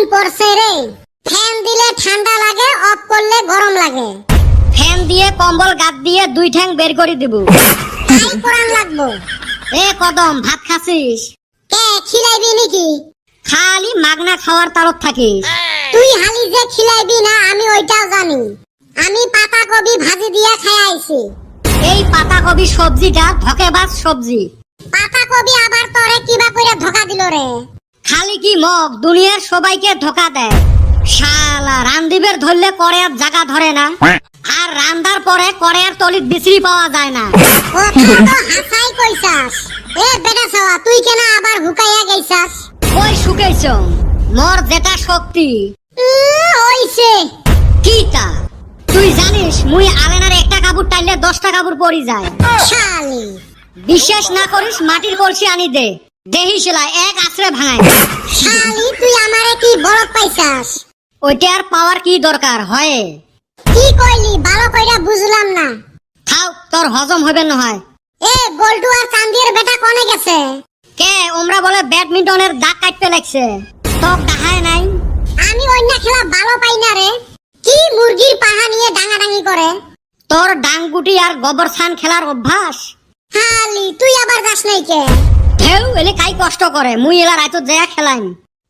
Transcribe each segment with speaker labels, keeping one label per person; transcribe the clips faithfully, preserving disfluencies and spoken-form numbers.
Speaker 1: পড়ছে রে। ফ্যান দিলে ঠান্ডা লাগে, অফ করলে গরম লাগে।
Speaker 2: ফ্যান দিয়ে কম্বল গাদ দিয়ে দুই ঠ্যাং বের করে দিব।
Speaker 1: তাই পরান লাগবো।
Speaker 2: এ কদম, ভাত খাসিস?
Speaker 1: কে খিলাইবি নাকি?
Speaker 2: খালি মাগনা খাওয়ার তালত থাকিস।
Speaker 1: তুই হালি যে খিলাইবি না আমি ওইটাও জানি। আমি পাতা কবি ভাজি দিয়ে খাই আইছি।
Speaker 2: এই পাতা কবি সবজিটা ধকেবাজ সবজি।
Speaker 1: পাতা কবি আবার তোরে কিবা কইরা ধোকা দিল রে।
Speaker 2: খালি কি মগ দুনিয়ার সবাইকে ধোকা দেয়। শালা রান্দিবের ধরলে কড়াইয়ের জায়গা ধরে না, আর রান্দার পরে কড়াইয়ের তলিত বিচরি পাওয়া যায় না।
Speaker 1: কথা তো হাসাই কইছাস। এ বেটা ছাওয়া, তুই কেন আবার হুকাইয়া গেছাস?
Speaker 2: কই শুকেছ? মোর যেটা শক্তি
Speaker 1: উম, হইছে।
Speaker 2: কি তা? তুই জানিস মুই আলেনার একটা কাপড় টাইলে দশটা কাপড় পরি যায়।
Speaker 1: শালি
Speaker 2: বিশ্বাস না করিস মাটির কলসি আনি দে, দেহি সেলাই এক আছড়ে ভাঙায়।
Speaker 1: শালি তুই আমারে কি বলদ পাইছাস?
Speaker 2: ওইটার পাওয়ার কি দরকার হয়?
Speaker 1: কি কইলি ভালো কইরা বুঝলাম না।
Speaker 2: খাও, তোর হজম হবে না হয়।
Speaker 1: এ বল্টু আর চান্দির বেটা কোনে গেছে?
Speaker 2: কে ওমরা বলে ব্যাডমিন্টনের দাগ কাটতে লাগছে, তোক দেখায় নাই?
Speaker 1: আমি অন্য খেলা ভালো পাই না রে। কি মুরগির পাহা নিয়ে ডাঙাডাঙি করে।
Speaker 2: তোর ডাংগুটি আর গোবর ছান খেলার অভ্যাস।
Speaker 1: শালি তুই আবার যাস নাই কে?
Speaker 2: ঢেউ এলে কাই কষ্ট করে, মুই এলা রাইতো যায় খেলাইম।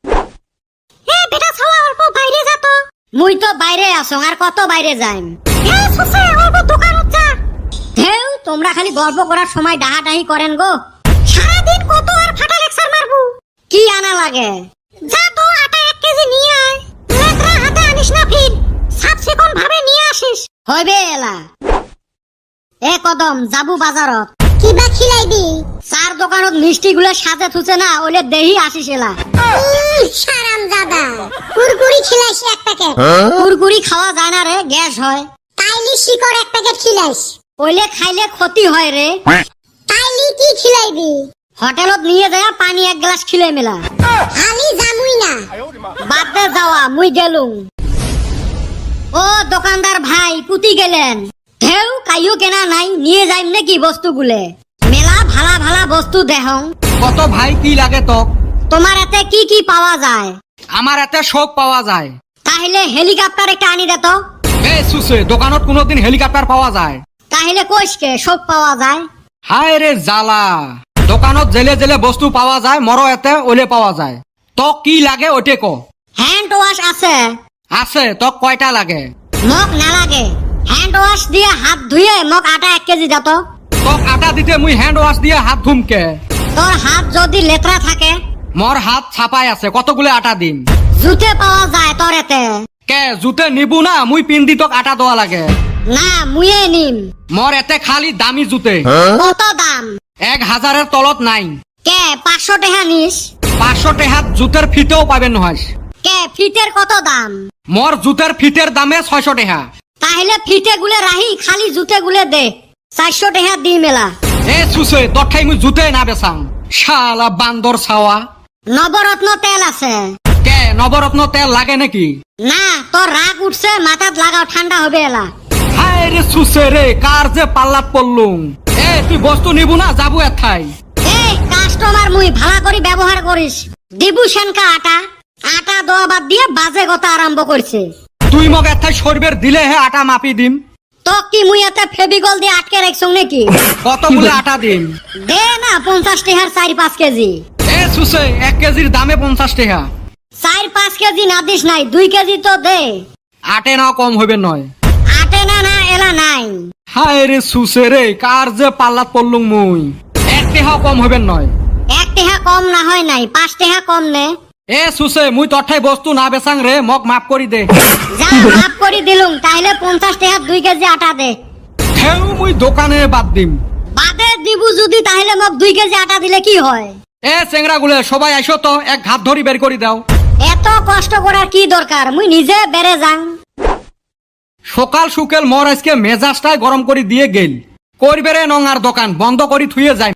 Speaker 2: এ বেটা ছাওয়া অল্প বাইরে যা তো। মুই তো বাইরে আসং, আর কত বাইরে যাইম। এ সুসে অল্প দোকানত যা। ঢেউ তোমরা খালি গল্প করার সময় ডাহাডাহি করেন গো। সারাদিন কত আর ফাটা লেকচার মারবো। কি আনা লাগে? যা তো আটা এক কেজি নিয়ে আয়। লেকরা হাতে আনিস না ফির, সাত সেকন্ড ভাবে নিয়ে আসিস। হইবে এলা। এ কদম যাবু বাজারত।
Speaker 1: কিবা খিলাইবি?
Speaker 2: চার দোকানত মিষ্টি গুলো সাজে থুছে না, ওলে দেহি আসিস এলা।
Speaker 1: সারাম দাদা কুরকুরি খিলাইস এক প্যাকেট।
Speaker 2: কুরকুরি খাওয়া যায় না রে, গ্যাস হয়।
Speaker 1: তাইলি শিকড় এক প্যাকেট খিলাইস।
Speaker 2: ওইলে খাইলে ক্ষতি হয় রে।
Speaker 1: তাইলি কি খিলাইবি?
Speaker 2: হোটেলত নিয়ে যায় পানি এক গ্লাস খিলে মেলা।
Speaker 1: হালি জামুই না।
Speaker 2: বাদ দে যাওয়া, মুই গেলুম। ও দোকানদার ভাই পুতি গেলেন? ঢেউ কাইও কেনা নাই, নিয়ে যাইম নাকি বস্তুগুলে? মেলা ভালা ভালা বস্তু দেহং।
Speaker 3: কত ভাই কি লাগে তোক?
Speaker 2: তোমার এতে কি কি পাওয়া যায়?
Speaker 3: আমার এতে সব পাওয়া যায়।
Speaker 2: তাহলে হেলিকপ্টার একটা আনি দে তো।
Speaker 3: এ সুসে, দোকানত কোনোদিন হেলিকপ্টার পাওয়া যায়?
Speaker 2: তাহলে কইসকে সব পাওয়া যায়।
Speaker 3: হায় রে জালা, দোকানত জেলে জেলে বস্তু পাওয়া যায়, মর এতে ওলে পাওয়া যায়। তোক কি লাগে ওটে ক।
Speaker 2: হ্যান্ড ওয়াশ আছে?
Speaker 3: আছে। তোক কয়টা লাগে?
Speaker 2: মগ নালাগে। হ্যান্ড ওয়াশ দিয়ে হাত ধুয়ে মগ আটা এক কেজি দাও তো।
Speaker 3: তোক আটা দিতে মুই হ্যান্ড ওয়াশ দিয়ে হাত ধুমকে?
Speaker 2: তোর হাত যদি লেতরা থাকে?
Speaker 3: মোর হাত ছাপাই আছে, কতগুলো আটা দিম?
Speaker 2: জুতে পাওয়া যায় তোর এতে?
Speaker 3: কে জুতে নিবু না, মুই পিন্দি তোক আটা দেওয়া লাগে?
Speaker 2: না মুয়ে নিম।
Speaker 3: মোর এতে খালি দামি জুতে।
Speaker 2: কত দাম?
Speaker 3: এক হাজারের তলত নাই।
Speaker 2: কে পাঁচশো টাকা নিস?
Speaker 3: পাঁচশো টেহাত জুতের ফিতেও পাবেন নহয়।
Speaker 2: কে ফিটের কত দাম?
Speaker 3: মোর জুতের ফিটের দামে ছয়শ টেহা।
Speaker 2: তাহলে ফিটে গুলে রাহি, খালি জুতে গুলে দে, চারশো টাকা দি মেলা।
Speaker 3: এ সুসে, তোর ঠাই মুই জুতে না বেচাং। শালা বান্দর ছাওয়া।
Speaker 2: নবরত্ন তেল আছে?
Speaker 3: কে নবরত্ন তেল লাগে নাকি?
Speaker 2: না, তোর রাগ উঠছে, মাথাত লাগাও, ঠান্ডা হবে এলা।
Speaker 3: হায় রে সুসে রে, কার যে পাল্লাত পড়লুম। এ তুই বস্তু নিবু না, যাবো এথাই।
Speaker 2: এই কাস্টমার মুই ভালা করি ব্যবহার করিস। দিবু সেনকা আটা? আটা দোয়া বাদ দিয়ে বাজে কথা আরম্ভ করছে।
Speaker 3: তুই মগ এথাই সরবের দিলে হে আটা মাপি দিম।
Speaker 2: তো কি মুই এতে ফেবিকল দিয়ে আটকে রাখছং নাকি?
Speaker 3: কতগুলো আটা দিম?
Speaker 2: দে না পঞ্চাশ টাকার চার পাঁচ কেজি।
Speaker 3: এ সুসে, এক কেজির দামে পঞ্চাশ টেহা।
Speaker 2: চার পাঁচ কেজি না দিস নাই, দুই কেজি তো দে।
Speaker 3: আটে না কম হইবে নয়।
Speaker 2: আটে না না এলা নাই।
Speaker 3: হায় রে সুসে রে, কার যে পাল্লাত পড়লুম মুই। এক টেহা কম হইবে নয়।
Speaker 2: এক টাকা কম না হয় নাই, পাঁচ টাকা কম নে।
Speaker 3: এ সুসে, মুই তোর ঠাই বস্তু না বেচাং রে, মগ মাফ করি দে।
Speaker 2: যা মাফ করি দিলুম, তাহলে পঞ্চাশ টাকা দুই কেজি আটা দে।
Speaker 3: হেউ মুই দোকানে বাদ দিম।
Speaker 2: বাদে দিবু যদি, তাহলে মোক দুই কেজি আটা দিলে কি হয়?
Speaker 3: এ চেংরা গুলে সবাই আইসো তো, এক ঘাত ধরি বের করে দাও।
Speaker 2: এত কষ্ট করার কি দরকার, মুই নিজে বেড়ে যাং।
Speaker 3: সকাল সুকেল মোর আজকে মেজাজটাই গরম করে দিয়ে গেল। করবে রে নং আর দোকান বন্ধ করি থুয়ে যায়।